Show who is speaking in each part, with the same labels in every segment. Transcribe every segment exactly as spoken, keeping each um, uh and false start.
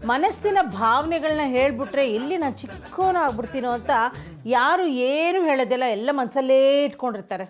Speaker 1: ಮನಸ್ಸಿನ ಭಾವನೆಗಳನ್ನ ಹೇಳ್ಬಿಟ್ರೆ ಎಲ್ಲಿ ನಾನು ಚಿಕ್ಕವನ ಆಗ್ಬಿಡ್ತೀನೋ ಅಂತ ಯಾರು ಏನು ಹೇಳೋದಿಲ್ಲ, ಎಲ್ಲ ಮನಸ್ಸಲ್ಲೇ ಇಟ್ಕೊಂಡಿರ್ತಾರೆ.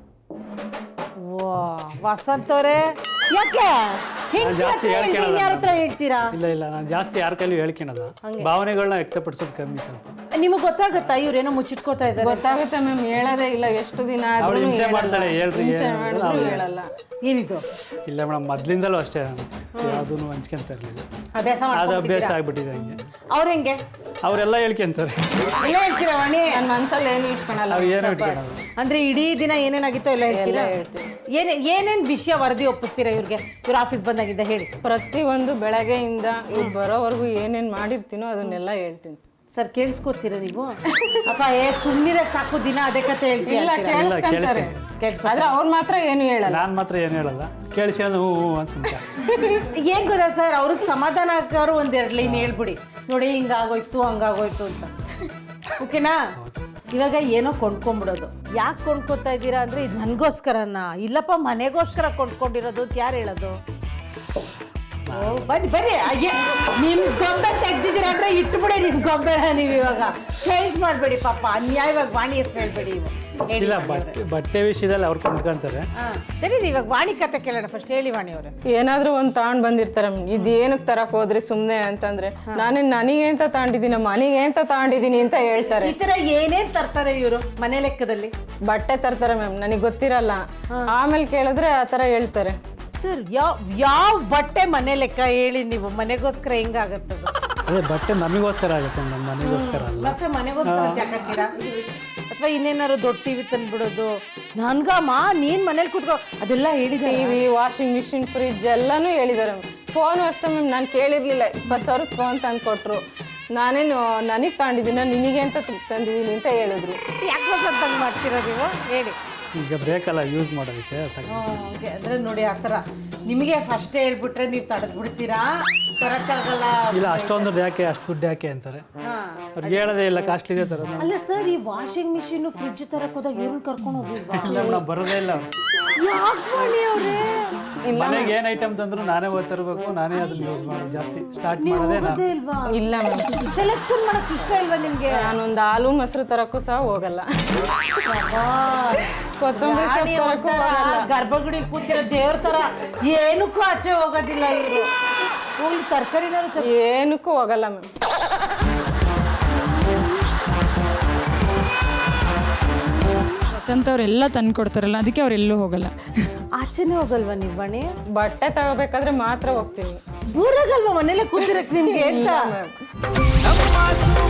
Speaker 1: ವಾ ವಸಂತ್ ಅವರೇ, ಯಾಕೆ ಯಾರ ಹತ್ರ ಹೇಳ್ತೀರಾ?
Speaker 2: ಇಲ್ಲ ಇಲ್ಲ ನಾನು ಜಾಸ್ತಿ ಯಾರ ಕೈಲೂ ಹೇಳ್ಕೊಳಲ್ಲ, ಭಾವನೆಗಳನ್ನ ವ್ಯಕ್ತಪಡಿಸೋದು ಕಮ್ಮಿ ಸ್ವಲ್ಪ.
Speaker 1: ನಿಮಗೆ ಗೊತ್ತಾಗುತ್ತಾ ಇವ್ರೇನೋ ಮುಚ್ಚಿಟ್ಕೋತಾ ಇದ್ದಾರೆ?
Speaker 3: ಗೊತ್ತಾಗುತ್ತೆ ಮ್ಯಾಮ್, ಹೇಳೋದೇ ಇಲ್ಲ. ಎಷ್ಟು ದಿನ
Speaker 2: ಅವಳು ಹಿಂಸೆ ಮಾಡ್ತಾಳೆ, ಹೇಳ್ರಿ
Speaker 3: ಹೇಳಲ್ಲ.
Speaker 1: ಏನಿದು?
Speaker 2: ಇಲ್ಲ ಮೇಡಮ್, ಮೊದ್ಲಿಂದಲೂ ಅಷ್ಟೇ ನಾನು ಯಾವುದೂ ಹಂಚ್ಕೊಂತ ಇರಲಿಲ್ಲ,
Speaker 1: ಅಭ್ಯಾಸ
Speaker 2: ಅದು ಅಭ್ಯಾಸ ಆಗ್ಬಿಟ್ಟಿದೆ ಹಂಗೆ.
Speaker 1: ಅವ್ರ ಹೆಂಗೆ?
Speaker 2: ಅವರೆಲ್ಲ ಹೇಳ್ಕೊಂತಾರೆ.
Speaker 1: ಎಲ್ಲ ಹೇಳ್ತೀರಾ ವಾಣಿ?
Speaker 3: ನನ್ನ ಮನ್ಸಲ್ಲಿ ಏನು ಇಟ್ಕೊಳಲ್ಲ.
Speaker 2: ಅವ್ರು ಏನೋ ಇಟ್ಕೊಳ್ಳೋದು.
Speaker 1: ಅಂದ್ರೆ ಇಡೀ ದಿನ ಏನೇನಾಗಿತ್ತೋ ಎಲ್ಲ ಹೇಳ್ತೀರಾ? ಏನೇ ಏನೇನು ವಿಷಯ ವರದಿ ಒಪ್ಪಿಸ್ತೀರಾ ಇವ್ರಿಗೆ? ಇವ್ರ ಆಫೀಸ್ ಬಂದಾಗಿದ್ದ ಹೇಳಿ.
Speaker 3: ಪ್ರತಿಯೊಂದು ಬೆಳಗ್ಗೆಯಿಂದ ಇವ್ರು ಬರೋವರೆಗೂ ಏನೇನು ಮಾಡಿರ್ತೀನೋ ಅದನ್ನೆಲ್ಲ ಹೇಳ್ತೀನಿ.
Speaker 1: ಸರ್ ಕೇಳಿಸ್ಕೊತೀರಾ ನೀವು? ಅಪ್ಪ ಏ ಸುಮ್ಮನೆ ಸಾಕು, ದಿನ ಅದೇ ಕತೆ ಹೇಳ್ತೀರಾ?
Speaker 3: ಕೇಳಿಸ್ಕೊಂತಾರೆ, ಆದ್ರೆ ಅವ್ರು ಮಾತ್ರ ಏನು ಹೇಳಲ್ಲ.
Speaker 2: ನಾನು ಮಾತ್ರ ಏನು ಹೇಳಲ್ಲ, ಕೇಳಿಸ್ಕೊಂಡು ಹ್ಞೂ ಹ್ಞೂ ಅನ್ಸುತ್ತೆ.
Speaker 1: ಏನ್ ಗೊತ್ತಾ ಸರ್, ಅವ್ರಿಗೆ ಸಮಾಧಾನ ಆಗೋರು ಒಂದೆರಡು ಲೈನ್ ಹೇಳ್ಬಿಡಿ, ನೋಡಿ ಹಿಂಗಾಗೋಯ್ತು ಹಂಗಾಗೋಯ್ತು ಅಂತ. ಓಕೆನಾ? ಇವಾಗ ಏನೋ ಕೊಂಡ್ಕೊಂಡ್ಬಿಡೋದು. ಯಾಕೆ ಕೊಂಡ್ಕೊತಾ ಇದ್ದೀರಾ ಅಂದರೆ ಇದು ನನಗೋಸ್ಕರನ? ಇಲ್ಲಪ್ಪ ಮನೆಗೋಸ್ಕರ ಕೊಂಡ್ಕೊಂಡಿರೋದು ಅಂತ ಯಾರು ಹೇಳೋದು? ಬನ್ನಿ ಬನ್ನಿ, ಅಯ್ಯೇ ನಿಮ್ಮ ಗೊಂಬೆ ತೆಗ್ದಿದ್ದೀರಾ ಅಂದರೆ ಇಟ್ಬಿಡಿ ನಿಮ್ಮ ಗೊಂಬೆನ. ನೀವು ಇವಾಗ ಚೇಂಜ್ ಮಾಡಬೇಡಿ ಪಾಪ, ಅನ್ಯಾಯವಾಗಿ ವಾಣಿ ಹೆಸರು ಹೇಳ್ಬೇಡಿ. ಇವು
Speaker 2: ಇಲ್ಲ, ಬಟ್ಟೆ ಬಟ್ಟೆ ವಿಷಯದಲ್ಲಿ ಅವ್ರು ಕೊಂಡ್ಕೊಂತಾರೆ.
Speaker 1: ಹಾಂ ಸರಿ, ಇವಾಗ ವಾಣಿ ಕತೆ ಕೇಳೋಣ. ಫಸ್ಟ್ ಹೇಳಿ ವಾಣಿ ಅವರೇ.
Speaker 3: ಏನಾದ್ರೂ ಒಂದು ತಗೊಂಡ್ ಬಂದಿರ್ತಾರೆ, ಇದೇನಕ್ಕೆ ತರಕ್ ಹೋದ್ರಿ ಸುಮ್ಮನೆ ಅಂತಂದ್ರೆ, ನಾನೇ ನನಗೆ ಅಂತ ತಗೊಂಡಿದ್ದೀನಿ, ಮನೆಗೆ ಅಂತ ತಗೊಂಡಿದ್ದೀನಿ ಅಂತ ಹೇಳ್ತಾರೆ.
Speaker 1: ಈ ಥರ ಏನೇನು ತರ್ತಾರೆ ಇವರು ಮನೆ ಲೆಕ್ಕದಲ್ಲಿ?
Speaker 3: ಬಟ್ಟೆ ತರ್ತಾರೆ ಮ್ಯಾಮ್, ನನಗೆ ಗೊತ್ತಿರಲ್ಲ. ಆಮೇಲೆ ಕೇಳಿದ್ರೆ ಆ ಥರ ಹೇಳ್ತಾರೆ.
Speaker 1: ಸರ್ ಯಾವ ಯಾವ ಬಟ್ಟೆ ಮನೆ ಲೆಕ್ಕ ಹೇಳಿ ನೀವು? ಮನೆಗೋಸ್ಕರ ಹೆಂಗಾಗತ್ತದು?
Speaker 2: ಅದೇ ಬಟ್ಟೆ ನಮಗೋಸ್ಕರ ಆಗುತ್ತೆ, ನಮ್ಮ ಮನೆಗೋಸ್ಕರ ಅಲ್ಲ.
Speaker 1: ಮತ್ತೆ ಮನೆಗೋಸ್ಕರ ಯಾಕಂತೀರಾ? ಅಥವಾ ಇನ್ನೇನಾದ್ರು ದೊಡ್ಡ ಟಿವಿ ತಂದ್ಬಿಡೋದು? ನನ್ಗಮ್ಮ ನೀನ್ ಮನೇಲಿ ಕೂತ್ಕೋ ಅದೆಲ್ಲ ಹೇಳಿದೆ.
Speaker 3: ಟಿವಿ, ವಾಷಿಂಗ್ ಮಿಷಿನ್, ಫ್ರಿಜ್ ಎಲ್ಲನೂ ಹೇಳಿದ್ದಾರೆ. ಫೋನು ಅಷ್ಟೇ ಮ್ಯಾಮ್, ನಾನು ಕೇಳಿರ್ಲಿಲ್ಲ. ಇಪ್ಪತ್ತು ಸಾವಿರದ ಫೋನ್ ತಂದು ಕೊಟ್ಟರು. ನಾನೇನು ನನಗೆ ತಗೊಂಡಿದ್ದೀನ ನಿನಗೆ ಅಂತ ತಂದಿದ್ದೀನಿ ಅಂತ ಹೇಳಿದ್ರು.
Speaker 1: ಯಾಕೆ ಹೊಸದಂಗೆ ಮಾಡ್ತೀರಾ ನೀವು? ಹೇಳಿ.
Speaker 2: ಈಗ ಬೇಕಲ್ಲ ಯೂಸ್ ಮಾಡೋದಕ್ಕೆ.
Speaker 1: ಓಕೆ, ಅಂದರೆ ನೋಡಿ ಆ ಥರ ನಿಮಗೆ ಫಸ್ಟ್ ಹೇಳ್ಬಿಟ್ರೆ ನೀವು ತಡೆದು ಬಿಡ್ತೀರಾ, ತರಕ್ಕಾಗಲ್ಲ.
Speaker 2: ಇಲ್ಲ, ಅಷ್ಟೊಂದು ಯಾಕೆ, ಅಷ್ಟು ದುಡ್ಡು ಯಾಕೆ ಅಂತಾರೆ. ಅವ್ರಿಗೆ ಹೇಳೋದೇ ಇಲ್ಲ, ಕಾಸ್ಟ್ಲಿ ಇದೆ ತರ.
Speaker 1: ಅಲ್ಲ ಸರ್, ಈ ವಾಷಿಂಗ್ ಮಿಷಿನ್ ಫ್ರಿಜ್ ತರಕ್ ಹೋದಾಗ ಇವ್ರನ್ನ ಕರ್ಕೊಂಡು ಹೋಗಿಲ್ವಾ?
Speaker 2: ಇಲ್ಲ ಮೇಡಮ್, ಬರೋದೇ ಇಲ್ಲ. ಮನೆಗೆ ಏನ್ ಐಟಮ್ ತಂದ್ರು ನಾನೇ ಹೋಗಿ ತರಬೇಕು, ನಾನೇ ಅದನ್ನ ಯೂಸ್ ಮಾಡೋದು. ಜಾಸ್ತಿ ಸ್ಟಾರ್ಟ್ ಮಾಡೋದೇ ನಾನು.
Speaker 1: ಇಲ್ವಾ?
Speaker 3: ಇಲ್ಲ ಮ್ಯಾಮ್,
Speaker 1: ಸೆಲೆಕ್ಷನ್ ಮಾಡಕ್ ಇಷ್ಟ ಇಲ್ವಾ ನಿಮ್ಗೆ?
Speaker 3: ನಾನೊಂದು ಹಾಲು ಮೊಸರು ತರಕ್ಕೂ ಸಹ ಹೋಗಲ್ಲ. ಕೊತ್ತಂಬರಿ ಸೊಪ್ಪು ತರಕ್ಕೂ ಹೋಗಲ್ಲ.
Speaker 1: ಗರ್ಭಗುಡಿ ಕೂತಿರೋ ದೇವ್ರ ತರ ಏನಕ್ಕೂ ಆಚೆ ಹೋಗೋದಿಲ್ಲ ಇವರು. ಹೋಗ್ಲಿ ತರಕಾರಿನಾದ್ರು
Speaker 3: ಏನಕ್ಕೂ ಹೋಗಲ್ಲ ಮ್ಯಾಮ್.
Speaker 4: ವಸಂತ ಅವರೆಲ್ಲ ತಂದು ಕೊಡ್ತಾರಲ್ಲ, ಅದಕ್ಕೆ ಅವರೆಲ್ಲೂ ಹೋಗಲ್ಲ.
Speaker 1: ಆಚೆನೇ ಹೋಗಲ್ವಾ ನೀವು ಬಣಿ?
Speaker 3: ಬಟ್ಟೆ ತಗೋಬೇಕಾದ್ರೆ ಮಾತ್ರ ಹೋಗ್ತೀನಿ.
Speaker 1: ಊರಾಗಲ್ವಾ ಮನೇಲೆ ಕೂತಿರಕ್ ನಿಮ್ಗೆ ಅಂತ?